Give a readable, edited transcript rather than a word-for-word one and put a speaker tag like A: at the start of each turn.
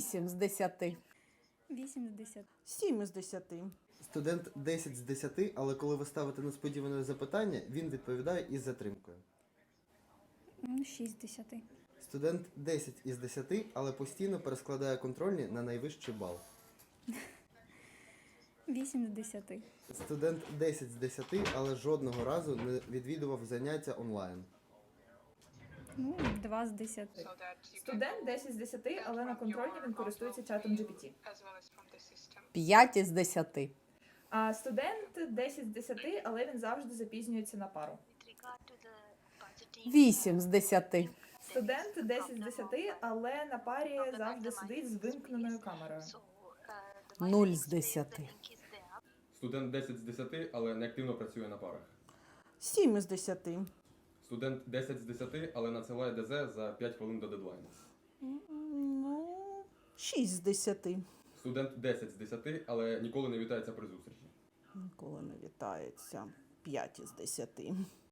A: 8 з 10.
B: 8 з 10.
C: 7 із 10.
D: Студент 10 з 10, але коли ви ставите несподіване запитання, він відповідає із затримкою.
B: 6 з 10.
D: Студент 10 із 10, але постійно перескладає контрольні на найвищий бал.
B: 8 з 10.
D: Студент 10 з 10, але жодного разу не відвідував заняття онлайн.
B: 2 з 10.
E: Студент 10 з 10, але на контрольні він користується чатом GPT.
A: 5 із 10.
E: А студент 10 з 10, але він завжди запізнюється на пару.
A: 8 з 10.
E: Студент 10 з 10, але на парі завжди сидить з вимкненою камерою.
A: 0 з 10.
F: Студент 10 з 10, але не активно працює на парах.
C: 7 із 10.
F: Студент 10 з 10, але надсилає ДЗ за 5 хвилин до дедлайну.
C: 6 з 10.
F: Студент 10 з 10, але ніколи не вітається при зустрічі.
C: Ніколи не вітається. 5 із 10.